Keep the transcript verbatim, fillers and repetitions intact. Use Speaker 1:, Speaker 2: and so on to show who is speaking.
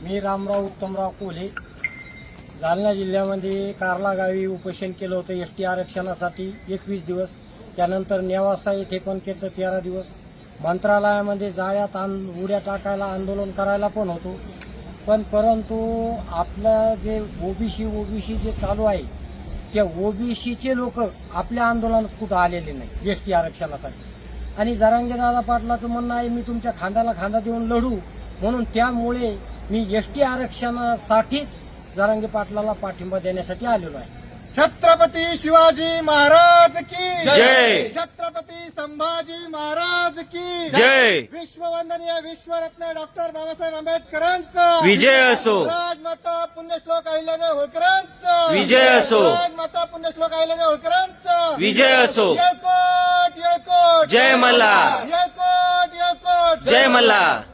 Speaker 1: मी रामराव उत्तमराव कोल्हे जालना जिल्ह्यामध्ये कार्ला गावी उपोषण केलं होतं एस टी आरक्षणासाठी एकवीस दिवस. त्यानंतर नेवासा येथे पण केलं तेरा दिवस. मंत्रालयामध्ये जाळ्यात आंद उड्या टाकायला आंदोलन करायला पण होतो. पण परंतु आपलं जे ओबीसी ओबीसी जे चालू आहे त्या ओबीसीचे लोक आपल्या आंदोलनात कुठं आलेले नाही एस टी आरक्षणासाठी. आणि जरांगेदादा पाटलाचं म्हणणं आहे मी तुमच्या खांद्याला खांदा देऊन लढू, म्हणून त्यामुळे मी एस टी आरक्षणासाठीच जरांगे पाटलाला पाठिंबा देण्यासाठी आलेलो आहे.
Speaker 2: छत्रपती शिवाजी महाराज की
Speaker 3: जय.
Speaker 2: छत्रपती संभाजी महाराज की
Speaker 3: जय.
Speaker 2: विश्ववंदनीय विश्वरत्न डॉक्टर बाबासाहेब आंबेडकरांचा
Speaker 3: विजय असो.
Speaker 2: राजमाता पुण्यश्लोक अहिल्यादेवी होळकरांचा
Speaker 3: विजय असो.
Speaker 2: राजमाता पुण्यश्लोक अहिल्यादेवी होळकरांचा
Speaker 3: विजय असो.
Speaker 2: येळकोट येळकोट
Speaker 3: जय मल्हार.
Speaker 2: येळकोट येळकोट
Speaker 3: जय मल्हार.